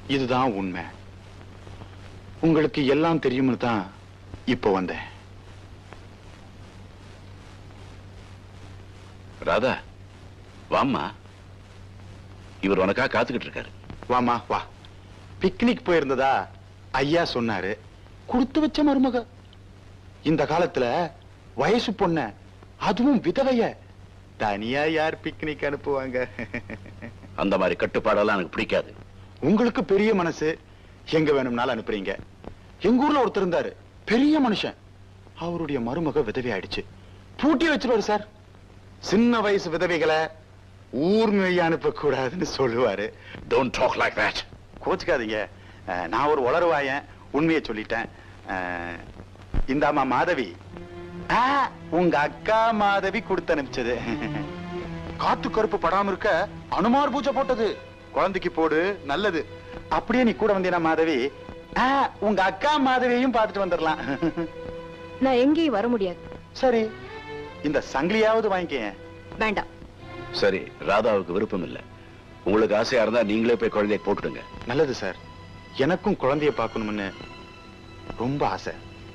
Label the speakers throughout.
Speaker 1: இதுதான் உண்மை. உங்களுக்கு எல்லாம் தெரியும்னு தான் இப்போ வந்தேன்.
Speaker 2: ராதா, வாம்மா. இவர் உனக்கா காத்துக்கிட்டு இருக்காரு.
Speaker 1: வாமா வா. பிக்னிக் போயிருந்ததா ஐயா சொன்னாரு. கொடுத்து வச்ச மருமக. இந்த காலத்துல வயசு பொண்ண, அதுவும் விதவைய தனியா யார் பிக்னிக் அனுப்புவாங்க?
Speaker 2: அந்த மாதிரி கட்டுப்பாடெல்லாம் எனக்கு பிடிக்காது.
Speaker 1: உங்களுக்கு பெரிய மனசு, எங்க வேணும்னாலும் அனுப்புறீங்க. எங்க ஊர்ல ஒருத்தர் இருந்தாரு, பெரிய மனுஷன். அவருடைய மருமக விதவை ஆயிடுச்சு. பூட்டி வச்சிருவாரு சார். சின்ன வயசு விதவைகளை ஊர் மேய அனுப்ப கூடாதுன்னு சொல்லுவாரு.
Speaker 2: Don't talk like that.
Speaker 1: கோச்சுக்காதீங்க, நான் ஒரு உளறுவாயன், உண்மையை சொல்லிட்டேன். இந்தாமா மாதவி, உங்க அக்கா மாதவி கொடுத்து அனுப்பிச்சது. காத்து கருப்பு படாம இருக்க அனுமார் பூஜை போட்டது. குழந்தைக்கு போடு, நல்லது. அப்படியே நீ கூட வந்தீனா மாதவி, உங்க அக்கா மாதவியையும் பார்த்துட்டு வந்துடலாம்.
Speaker 3: நான் எங்கேயும் வர முடியாது.
Speaker 1: சரி, இந்த சங்கிலியாவது வாங்கிக்க.
Speaker 3: வேண்டாம்.
Speaker 2: சரி, ராதாவுக்கு விருப்பம் இல்ல. உங்களுக்கு ஆசையா இருந்தா நீங்களே போய் குழந்தைய போட்டுடுங்க.
Speaker 1: நல்லது சார், எனக்கும் குழந்தைய பார்க்கணும்னு ரொம்ப ஆசை.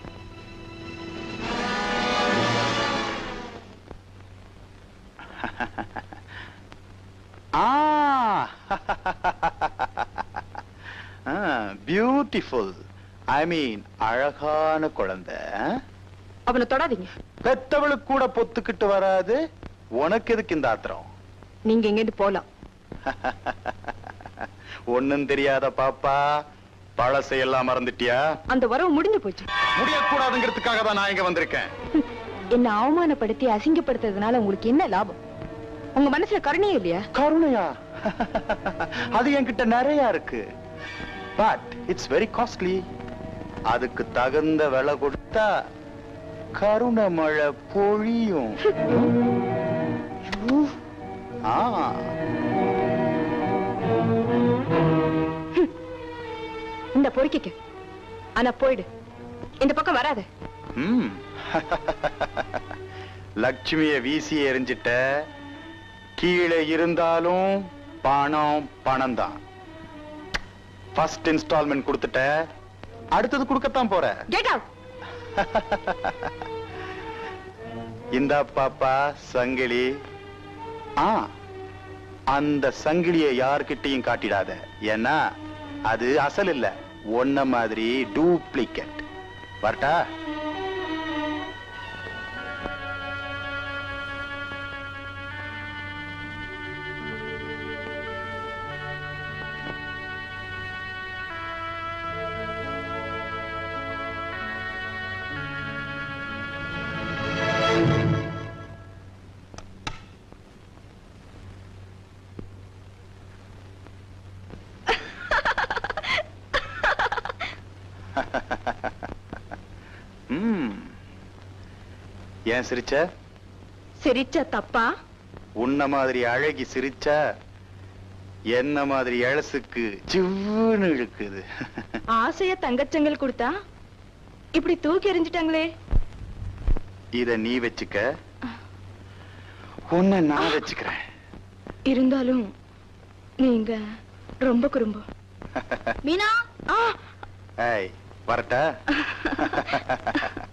Speaker 1: பியூட்டிஃபுல், ஐ மீன் அழகான குழந்தை.
Speaker 3: அவனை தொடாதீங்க.
Speaker 1: பெத்தவளுக்கு கூட பொத்துக்கிட்டு வராது, உனக்கு எதுக்கு இந்த ஆத்திரம்?
Speaker 3: நீங்க எங்கேருந்து போலாம்.
Speaker 1: ஒண்ணும் தெரியாத பாப்பா, பழசையெல்லாம் மறந்துட்டியா?
Speaker 3: அந்த வரவு முடிஞ்சு போச்சு.
Speaker 1: முடியக்கூடாதுங்கிறதுக்காக தான் நான் இங்க வந்திருக்கேன்.
Speaker 3: என்ன அவமானப்படுத்தி அசிங்கப்படுத்துறதுனால உங்களுக்கு என்ன லாபம்? உங்க மனசுல கருணையே இல்லையா?
Speaker 1: கருணையா? அது என்கிட்ட நிறைய இருக்கு. But it's very costly. அதுக்கு தகுந்த விலை கொடுத்தா கருணை மழை பொழியும்.
Speaker 3: இந்த பொறுக்கிக்க. ஆனா போயிடு, இந்த பக்கம் வராத.
Speaker 1: லட்சுமிய வீசி எறிஞ்சிட்ட. கீழே இருந்தாலும் பணம் பணம் தான். ஃபர்ஸ்ட் இன்ஸ்டால்மெண்ட் கொடுத்துட்ட, அடுத்தது கொடுக்கத்தான் போற.
Speaker 3: Get out.
Speaker 1: இந்த பாப்பா சங்கிலி. அந்த சங்கிலியை யார்கிட்டையும் காட்டிடாத. ஏன்னா அது அசல் இல்ல, ஒன்ன மாதிரி டூப்ளிகேட். வரட்டா? ஏன் சிரிச்ச?
Speaker 3: சிரிச்ச தப்பா?
Speaker 1: உன்ன மாதிரி அழகி சிரிச்சா என்ன மாதிரி எழசுக்கு சிவ்வுன்னு இழுக்குது.
Speaker 3: ஆசைய தங்கச்சங்கள் கொடுத்தா இப்படி தூக்கி எறிஞ்சிட்டாங்களே.
Speaker 1: இத நீ வச்சுக்க, உன்னை நான் வச்சுக்கிறேன்.
Speaker 3: இருந்தாலும் நீங்க ரொம்ப குறும்பு. மீனா,
Speaker 1: வரட்டா?